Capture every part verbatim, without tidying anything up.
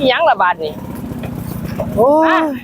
ยังละบาทนี่โอ้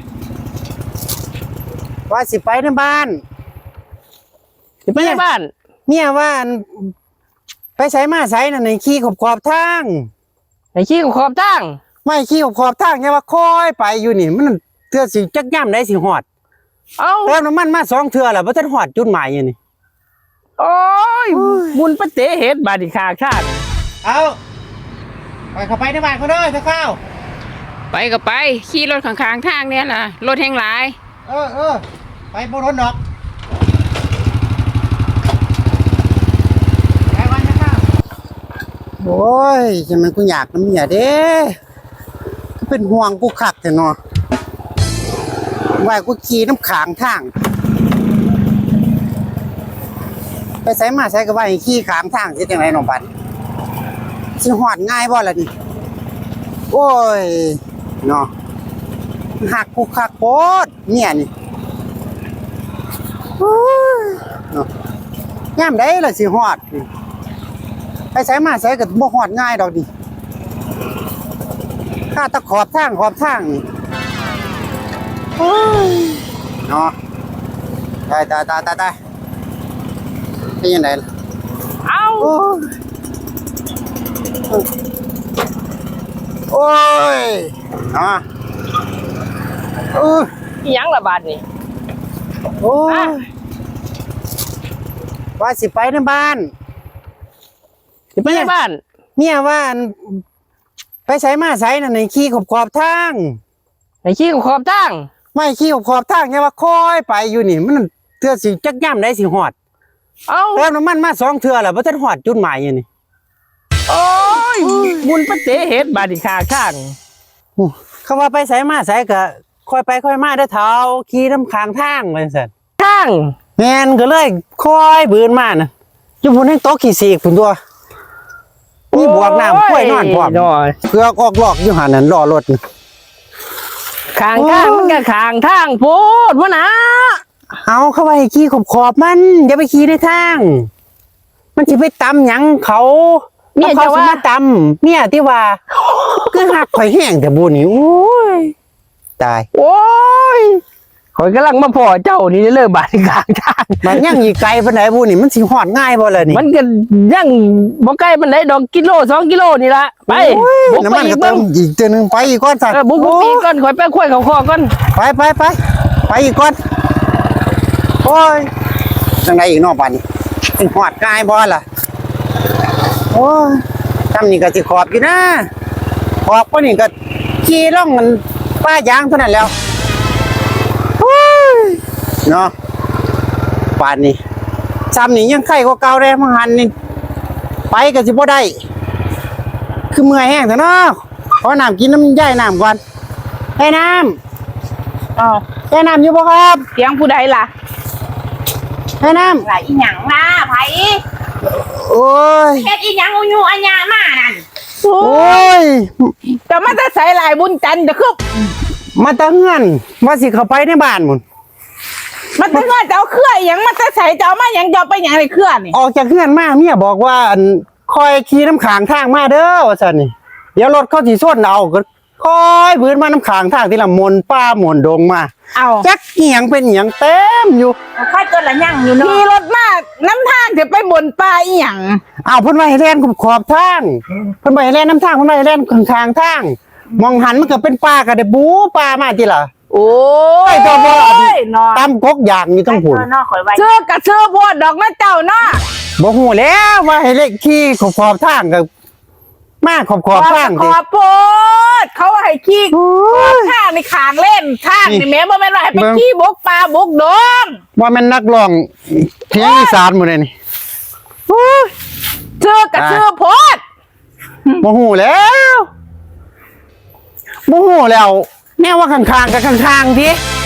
ว่าสิไปในบ้านสิไปในบ้านเมียว่าไปใช้มาใช้น่ะในขี้ขอบขอบทางในขี้ขอบทางไม่ขี้ขอบขอบทางเนี่ยว่าคอยไปอยู่นี่มันเทื่อสิจักย่ำได้สิหอดเอาเติมน้ำมันมาสองเทื่อแล้วบ่ทันหอดจุดหมายอยู่นี่โอ้ยบุญปะเตเฮ็ดบาดอีกขาชาติเอาไปเข้าไปในบ้านเขาเด้อจะเข้าไปก็ไปขี่รถข้างๆทางเนี่ยล่ะรถแห่งหลายเออเออไปบ่รถดอกไปวันจะเข้าโอ้ยจะมันกูอยากน้ำเมียเด้ก็เป็นห่วงกูคักแต่เนาะว่ากูขี่น้ำขางทางไปใส่มาใส่ก็ว่าให้ขี่ขางทางสิจังไดน้องปันสิหอดง่ายบ่ล่ะนี่โอ้ยเนาะหักกูคักโพดเนี่ยนี่โอ้ยเนาะยามใดล่ะสิหอดไปใส่มาใส่ก็บ่หอดง่ายดอกนี่ข้าตะขอบทางขอบทางนี่โอ้ยเนาะตายตายตายตายตายเป็นยังไงล่ะเอาโอ้ยโอ้ยเนาะเออยังละบาทนี่โอ้ยว่าสิไปในบ้านสิไปในบ้านเมียว่าไปใช้มาใช้น่ะในขี้ขอบขอบทางในขี้ขอบทางไม่ขี้ขอบขอบทางเนี่ยว่าคอยไปอยู่นี่มันเทื่อสิจักย่ำได้สิหอดเอาเติมน้ำมันมาสองเทื่อแล้วบ่ทันหอดจุดหมายอยู่นี่โอ้ยบุญปะเตเฮ็ดบาดอีกขาชาติเขาว่าไปใส่มาใส่ก็ค่อยไปค่อยมาได้เท้าขี่น้ำค้างทางไปสั่นทางแมนก็เลยค่อยบืนมานะอยู่พุ่นให้โต๊ะขี่สีกพุ่นตัวนี่บวกน้ำค่อยนอนพร้อมเกือกออกหลอกอยู่หันนั่นรอรถข้างทางมันก็ข้างทางโพดวะนะเอาเข้าไปขี่ขอบขอบมันอย่าไปขี่ในทางมันจะไปตำหยังเขาเนี่ยจะว่าตำเนี่ยที่ว่าคือหักข่อยแห้งแต่บุญนี่โอ้ยตายโอ้ยข่อยกำลังมาพอเจ้านี่เลิกบาดกลางทางมันยังอีกไกลปานไหนบุญนี่มันสิหอดง่ายบ่เลยนี่มันก็ยังบ่ใกล้ปานไหนดอกกิโลสองกิโลนี่ละไปบุกน้ำมันก็เติมอีกเจอหนึ่งไปอีกก้อนสัตว์บุกบุกอีกก้อนข่อยไปคุยเขาคอก้อนไปไปไปไปอีกก้อนโอ้ยจังไดอีกนอกบ้านนี่สิหอดง่ายบ่ล่ะโอ้ยทำนี่ก็สิขอบอยู่นะขอบก็นี่ก็ขี่ล่องมันป้ายางเท่านั้นแล้วเนาะป่านนี้ซ้ำนี่ยังไข่กว่าเก่าเลยมังหันนี่ไปก็สิบ่ได้คือเมื่อยแห้งแต่เนาะขอน้ำกินน้ำย่ายน้ำก่อนให้น้ำอ๋อให้น้ำอยู่บ่ครับเสียงผู้ใดล่ะให้น้ำไหลอีหยังมาไผโอ้ยเฮ็ดอีหยังอูยูอัญญามานั่นโอ้ยแต่มันจะใส่ลายบุญจันทร์จะคือมาตะเฮือนว่าสิเข้าไปในบ้านหมุนมันจะว่าจะเอาเครื่ออย่างมันจะใส่จะเอามาอย่างจะไปอย่างไรเครื่อนี่ออกจากเฮือนมาเมียบอกว่าคอยขี่น้ำขางทางมาเด้อว่าซั่นนี่เดี๋ยวรถเข้าสิส้นเอาก็คอยบืนมาน้ำขางทางที่ละมนป้ามนดงมาเอาจักเหียงเป็นเหียงเต็มอยู่ค่อยตัวละยั่งอยู่เนาะขี่รถมาน้ำทางจะไปบนป่าอีหยังอ้าวเพิ่นว่าให้แล่นขอบทางเพิ่นว่าให้แล่นน้ำทางเพิ่นว่าให้แล่นข้างทางมองหันมันก็เป็นป่าก็ได้บูป่ามาติล่ะโอ้ยตัวบ่ตามกกอย่างนี่ต้องพูดเชื่อกะเชื่อพวดดอกนะเจ้าเนาะบ่ฮู้แล้วว่าให้เล็กขี่ขอบขอบทางก็มาขอบขอบทางดิขอบโพดเขาให้ขี่ขอบทางในขางเล่นทางนี่แม่บ่แม่นว่าให้ไปขี่บกปลาบกดงว่าแม่นนักร้องเพียงอีสานหมดเลยนี่เชื่อกะเชื่อโพดบ่ฮู้แล้วบ่ฮู้แล้วแน่ว่าข้างๆกับข้างๆดิ